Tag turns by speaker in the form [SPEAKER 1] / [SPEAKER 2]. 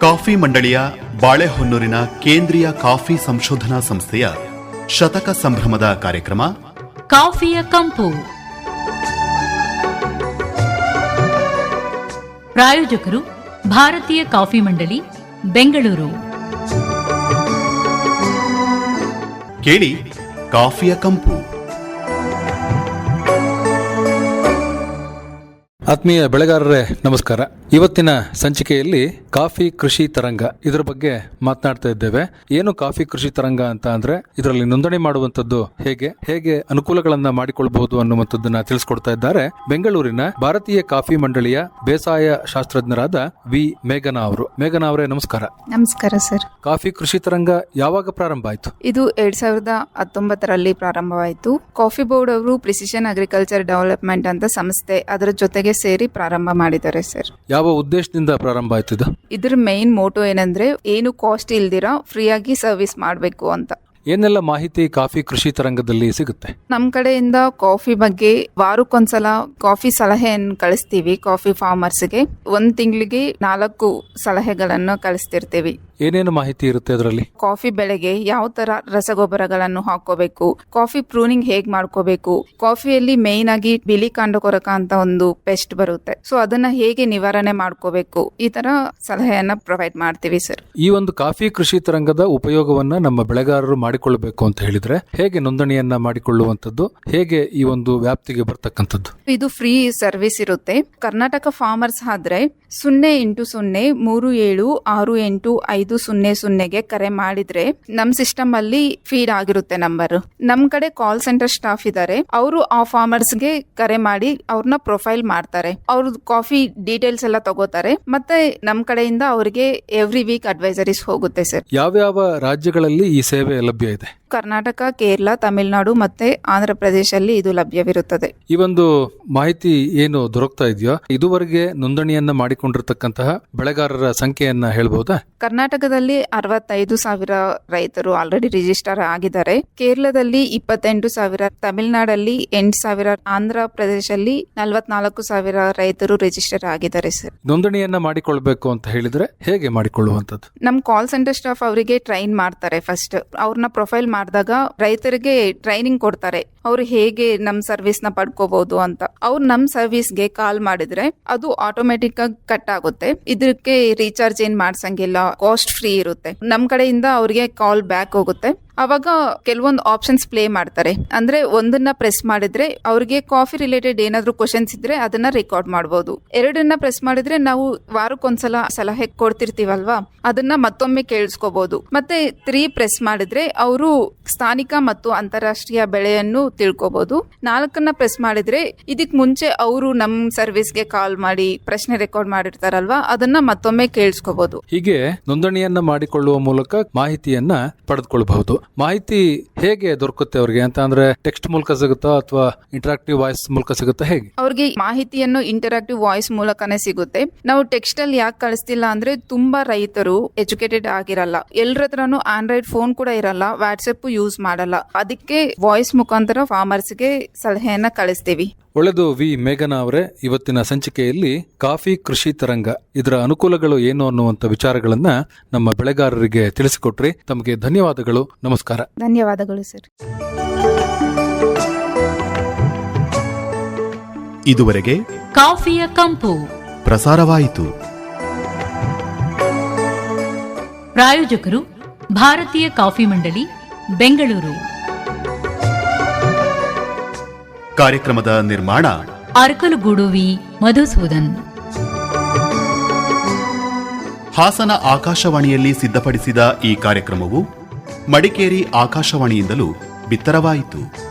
[SPEAKER 1] Coffee ಮಂಡಳಿಯ ಬಾಳೆಹೊನ್ನೂರಿನ ಕೇಂದ್ರೀಯ coffee ಸಂಶೋಧನಾ ಸಂಸ್ಥೆಯ ಶತಕ ಸಂಭ್ರಮದ ಕಾರ್ಯಕ್ರಮ
[SPEAKER 2] ಕಾಫಿಯ ಕಂಪು. ಪ್ರಾಯೋಜಕರು ಭಾರತೀಯ ಕಾಫಿ ಮಂಡಳಿ, ಬೆಂಗಳೂರು.
[SPEAKER 1] ಕೇಳಿ ಕಾಫಿಯ ಕಂಪು.
[SPEAKER 3] ಆತ್ಮೀಯ ಬೆಳೆಗಾರರೇ ನಮಸ್ಕಾರ. ಇವತ್ತಿನ ಸಂಚಿಕೆಯಲ್ಲಿ ಕಾಫಿ ಕೃಷಿ ತರಂಗ ಇದರ ಬಗ್ಗೆ ಮಾತನಾಡ್ತಾ ಇದ್ದೇವೆ. ಏನು ಕಾಫಿ ಕೃಷಿ ತರಂಗ ಅಂತ ಅಂದ್ರೆ ಇದರಲ್ಲಿ ನೋಂದಣಿ ಮಾಡುವಂತದ್ದು ಹೇಗೆ ಅನುಕೂಲಗಳನ್ನ ಮಾಡಿಕೊಳ್ಳಬಹುದು ಅನ್ನುವಂಥದ್ದನ್ನ ತಿಳಿಸ್ಕೊಡ್ತಾ ಇದ್ದಾರೆ ಬೆಂಗಳೂರಿನ ಭಾರತೀಯ ಕಾಫಿ ಮಂಡಳಿಯ ಬೇಸಾಯ ಶಾಸ್ತ್ರಜ್ಞರಾದ ವಿ ಮೇಘನಾ ಅವರು. ಮೇಘನಾ ಅವರೇ ನಮಸ್ಕಾರ.
[SPEAKER 4] ನಮಸ್ಕಾರ ಸರ್.
[SPEAKER 3] ಕಾಫಿ ಕೃಷಿ ತರಂಗ ಯಾವಾಗ ಪ್ರಾರಂಭ ಆಯಿತು?
[SPEAKER 4] ಇದು 2019ರಲ್ಲಿ ಪ್ರಾರಂಭವಾಯಿತು. ಕಾಫಿ ಬೋರ್ಡ್ ಅವರು ಪ್ರಿಸಿಷನ್ ಅಗ್ರಿಕಲ್ಚರ್ ಡೆವಲಪ್ಮೆಂಟ್ ಅಂತ ಸಂಸ್ಥೆ ಅದರ ಜೊತೆಗೆ ಸೇರಿ ಪ್ರಾರಂಭ ಮಾಡಿದ್ದಾರೆ ಸರ್.
[SPEAKER 3] ಯಾವ ಉದ್ದೇಶದಿಂದ ಪ್ರಾರಂಭ ಆಯ್ತು ಇದು?
[SPEAKER 4] ಇದ್ರ ಮೇನ್ ಮೋಟೋ ಏನಂದ್ರೆ ಏನು ಕಾಸ್ಟ್ ಇಲ್ದಿರಾ ಫ್ರೀಯಾಗಿ ಸರ್ವಿಸ್ ಮಾಡಬೇಕು ಅಂತ.
[SPEAKER 3] ಏನೆಲ್ಲ ಮಾಹಿತಿ ಕಾಫಿ ಕೃಷಿ ತರಂಗದಲ್ಲಿ ಸಿಗುತ್ತೆ?
[SPEAKER 4] ನಮ್ ಕಡೆಯಿಂದ ಕಾಫಿ ಬಗ್ಗೆ ವಾರಕ್ಕೊಂದ್ಸಲ ಕಾಫಿ ಸಲಹೆಯನ್ನು ಕಳಿಸ್ತೀವಿ. ಕಾಫಿ ಫಾರ್ಮರ್ಸ್ಗೆ 1 ತಿಂಗಳಿಗೆ 4 ಸಲಹೆಗಳನ್ನು ಕಳಿಸ್ತಿರ್ತೀವಿ.
[SPEAKER 3] ಏನೇನು ಮಾಹಿತಿ ಇರುತ್ತೆ ಅದರಲ್ಲಿ?
[SPEAKER 4] ಕಾಫಿ ಬೆಳೆಗೆ ಯಾವ ತರ ರಸಗೊಬ್ಬರಗಳನ್ನು ಹಾಕೋಬೇಕು, ಕಾಫಿ ಪ್ರೂನಿಂಗ್ ಹೇಗ್ ಮಾಡ್ಕೋಬೇಕು, ಕಾಫಿಯಲ್ಲಿ ಮೇನ್ ಆಗಿ ಬಿಳಿ ಕಾಂಡ ಕೊರಕ ಅಂತ ಒಂದು ಪೆಸ್ಟ್ ಬರುತ್ತೆ, ಸೊ ಅದನ್ನ ಹೇಗೆ ನಿವಾರಣೆ ಮಾಡ್ಕೋಬೇಕು, ಈ ತರ ಸಲಹೆಯನ್ನ ಪ್ರೊವೈಡ್ ಮಾಡ್ತೀವಿ ಸರ್.
[SPEAKER 3] ಈ ಒಂದು ಕಾಫಿ ಕೃಷಿ ತರಂಗದ ಉಪಯೋಗವನ್ನ ನಮ್ಮ ಬೆಳೆಗಾರರು ಮಾಡಿಕೊಳ್ಳಬೇಕು ಅಂತ ಹೇಳಿದ್ರೆ ಹೇಗೆ ನೋಂದಣಿಯನ್ನ ಮಾಡಿಕೊಳ್ಳುವಂತದ್ದು, ಹೇಗೆ ಈ ಒಂದು ವ್ಯಾಪ್ತಿಗೆ ಬರ್ತಕ್ಕಂಥದ್ದು?
[SPEAKER 4] ಇದು ಫ್ರೀ ಸರ್ವಿಸ್ ಇರುತ್ತೆ. ಕರ್ನಾಟಕ ಫಾರ್ಮರ್ಸ್ ಆದ್ರೆ 08037685000 ಕರೆ ಮಾಡಿದ್ರೆ ನಮ್ ಸಿಸ್ಟಮ್ ಅಲ್ಲಿ ಫೀಡ್ ಆಗಿರುತ್ತೆ ನಂಬರ್. ನಮ್ ಕಡೆ ಕಾಲ್ ಸೆಂಟರ್ ಸ್ಟಾಫ್ ಇದಾರೆ, ಅವರು ಆ ಫಾರ್ಮರ್ಸ್ ಗೆ ಕರೆ ಮಾಡಿ ಅವ್ರನ್ನ ಪ್ರೊಫೈಲ್ ಮಾಡ್ತಾರೆ. ಅವ್ರ ಕಾಫಿ ಡೀಟೇಲ್ಸ್ ಎಲ್ಲ ತಗೋತಾರೆ, ಮತ್ತೆ ನಮ್ ಕಡೆಯಿಂದ ಅವರಿಗೆ ಎವ್ರಿ ವೀಕ್ ಅಡ್ವೈಸರೀಸ್ ಹೋಗುತ್ತೆ ಸರ್.
[SPEAKER 3] ಯಾವ್ಯಾವ ರಾಜ್ಯಗಳಲ್ಲಿ ಈ ಸೇವೆ ಲಭ್ಯ ಇದೆ?
[SPEAKER 4] ಕರ್ನಾಟಕ, ಕೇರಳ, ತಮಿಳುನಾಡು ಮತ್ತೆ ಆಂಧ್ರ ಪ್ರದೇಶಲ್ಲಿ ಇದು ಲಭ್ಯವಿರುತ್ತದೆ.
[SPEAKER 3] ಈ ಒಂದು ಮಾಹಿತಿ ಏನು ದೊರಕ್ತಾ ಇದೆಯೋ ಇದುವರೆಗೆ ನೋಂದಣಿಯನ್ನ ಮಾಡಿಕೊಂಡಿರ್ತಕ್ಕಂತಹ ಬೆಳೆಗಾರರ ಸಂಖ್ಯೆಯನ್ನ ಹೇಳ್ಬಹುದಾ?
[SPEAKER 4] ಕರ್ನಾಟಕದಲ್ಲಿ 65,000 ರೈತರು ಆಲ್ರೆಡಿ ರಿಜಿಸ್ಟರ್ ಆಗಿದ್ದಾರೆ. ಕೇರಳದಲ್ಲಿ 28,000, ತಮಿಳುನಾಡಲ್ಲಿ 8,000, ಆಂಧ್ರ ಪ್ರದೇಶಲ್ಲಿ 44,000 ರೈತರು ರಿಜಿಸ್ಟರ್ ಆಗಿದ್ದಾರೆ ಸರ್.
[SPEAKER 3] ನೋಂದಣಿಯನ್ನ ಮಾಡಿಕೊಳ್ಬೇಕು ಅಂತ ಹೇಳಿದ್ರೆ ಹೇಗೆ ಮಾಡಿಕೊಳ್ಳುವಂತದ್ದು?
[SPEAKER 4] ನಮ್ ಕಾಲ್ ಸೆಂಟರ್ ಸ್ಟಾಫ್ ಅವರಿಗೆ ಟ್ರೈನ್ ಮಾಡ್ತಾರೆ. ಫಸ್ಟ್ ಅವ್ರನ್ನ ಪ್ರೊಫೈಲ್ ಮಾಡಿದಾಗ ರೈತರಿಗೆ ಟ್ರೈನಿಂಗ್ ಕೊಡ್ತಾರೆ, ಅವ್ರು ಹೇಗೆ ನಮ್ ಸರ್ವಿಸ್ ನ ಪಡ್ಕೋಬಹುದು ಅಂತ. ಅವ್ರು ನಮ್ ಸರ್ವಿಸ್ಗೆ ಕಾಲ್ ಮಾಡಿದ್ರೆ ಅದು ಆಟೋಮೆಟಿಕ್ ಆಗಿ ಕಟ್ ಆಗುತ್ತೆ. ಇದಕ್ಕೆ ರೀಚಾರ್ಜ್ ಏನ್ ಮಾಡ್ಸಂಗಿಲ್ಲ, ಕಾಸ್ಟ್ ಫ್ರೀ ಇರುತ್ತೆ. ನಮ್ ಕಡೆಯಿಂದ ಅವ್ರಿಗೆ ಕಾಲ್ ಬ್ಯಾಕ್ ಹೋಗುತ್ತೆ. ಅವಾಗ ಕೆಲವೊಂದು ಆಪ್ಷನ್ಸ್ ಪ್ಲೇ ಮಾಡ್ತಾರೆ. ಅಂದ್ರೆ ಒಂದನ್ನ ಪ್ರೆಸ್ ಮಾಡಿದ್ರೆ ಅವ್ರಿಗೆ ಕಾಫಿ ರಿಲೇಟೆಡ್ ಏನಾದ್ರು ಕ್ವಶನ್ಸ್ ಇದ್ರೆ ಅದನ್ನ ರೆಕಾರ್ಡ್ ಮಾಡಬಹುದು. 2 ಪ್ರೆಸ್ ಮಾಡಿದ್ರೆ ನಾವು ವಾರಕ್ಕೊಂದ್ಸಲ ಸಲಹೆ ಕೊಡ್ತಿರ್ತೀವಲ್ವಾ, ಅದನ್ನ ಮತ್ತೊಮ್ಮೆ ಕೇಳಿಸ್ಕೋಬಹುದು. ಮತ್ತೆ 3 ಪ್ರೆಸ್ ಮಾಡಿದ್ರೆ ಅವರು ಸ್ಥಾನಿಕ ಮತ್ತು ಅಂತಾರಾಷ್ಟ್ರೀಯ ಬೆಳೆಯನ್ನು ತಿಳ್ಕೋಬಹುದು. 4 ಪ್ರೆಸ್ ಮಾಡಿದ್ರೆ ಇದಕ್ ಮುಂಚೆ ಅವರು ನಮ್ ಸರ್ವಿಸ್ಗೆ ಕಾಲ್ ಮಾಡಿ ಪ್ರಶ್ನೆ ರೆಕಾರ್ಡ್ ಮಾಡಿರ್ತಾರಲ್ವಾ, ಅದನ್ನ ಮತ್ತೊಮ್ಮೆ ಕೇಳಿಸ್ಕೋಬಹುದು.
[SPEAKER 3] ಹೀಗೆ ನೋಂದಣಿಯನ್ನ ಮಾಡಿಕೊಳ್ಳುವ ಮೂಲಕ ಮಾಹಿತಿಯನ್ನ ಪಡೆದುಕೊಳ್ಳಬಹುದು. ಮಾಹಿತಿ ಹೇಗೆ ದೊರಕುತ್ತೆ ಅವ್ರಿಗೆ ಅಂತ ಅಂದ್ರೆ ಟೆಕ್ಸ್ಟ್ ಮೂಲಕ ಸಿಗುತ್ತಾ ಅಥವಾ ಇಂಟರಾಕ್ಟಿವ್ ವಾಯ್ಸ್ ಮೂಲಕ ಸಿಗುತ್ತಾ? ಹೇಗೆ
[SPEAKER 4] ಅವ್ರಿಗೆ ಮಾಹಿತಿಯನ್ನು ಇಂಟರಾಕ್ಟಿವ್ ವಾಯ್ಸ್ ಮೂಲಕನೇ ಸಿಗುತ್ತೆ. ನಾವು ಟೆಕ್ಸ್ಟ್ ಅಲ್ಲಿ ಯಾಕೆ ಕಳಿಸ್ತಿಲ್ಲ ಅಂದ್ರೆ ತುಂಬಾ ರೈತರು ಎಜುಕೇಟೆಡ್ ಆಗಿರಲ್ಲ, ಎಲ್ಲರ ಹತ್ರನೂ ಆಂಡ್ರಾಯ್ಡ್ ಫೋನ್ ಕೂಡ ಇರಲ್ಲ, ವಾಟ್ಸ್ಆಪ್ ಯೂಸ್ ಮಾಡಲ್ಲ. ಅದಕ್ಕೆ ವಾಯ್ಸ್ ಮುಖಾಂತರ ಫಾರ್ಮರ್ಸ್ಗೆ ಸಲಹೆಯನ್ನ ಕಳಿಸ್ತೀವಿ.
[SPEAKER 3] ಒಳ್ಳೆದು ವಿ ಮೇಘನಾ ಅವರೇ, ಇವತ್ತಿನ ಸಂಚಿಕೆಯಲ್ಲಿ ಕಾಫಿ ಕೃಷಿ ತರಂಗ ಇದರ ಅನುಕೂಲಗಳು ಏನು ಅನ್ನುವಂಥ ವಿಚಾರಗಳನ್ನ ನಮ್ಮ ಬೆಳೆಗಾರರಿಗೆ ತಿಳಿಸಿಕೊಟ್ರಿ. ತಮಗೆ ಧನ್ಯವಾದಗಳು. ನಮಸ್ಕಾರ.
[SPEAKER 4] ಧನ್ಯವಾದಗಳು ಸರ್.
[SPEAKER 1] ಇದುವರೆಗೆ
[SPEAKER 2] ಕಾಫಿಯ ಕಂಪು
[SPEAKER 1] ಪ್ರಸಾರವಾಯಿತು.
[SPEAKER 2] ಪ್ರಾಯೋಜಕರು ಭಾರತೀಯ ಕಾಫಿ ಮಂಡಳಿ, ಬೆಂಗಳೂರು.
[SPEAKER 1] ಕಾರ್ಯಕ್ರಮದ ನಿರ್ಮಾಣ
[SPEAKER 2] ಅರಕಲಗೂಡು ವಿ ಮಧುಸೂದನ್.
[SPEAKER 1] ಹಾಸನ ಆಕಾಶವಾಣಿಯಲ್ಲಿ ಸಿದ್ಧಪಡಿಸಿದ ಈ ಕಾರ್ಯಕ್ರಮವು ಮಡಿಕೇರಿ ಆಕಾಶವಾಣಿಯಿಂದಲೂ ಬಿತ್ತರವಾಯಿತು.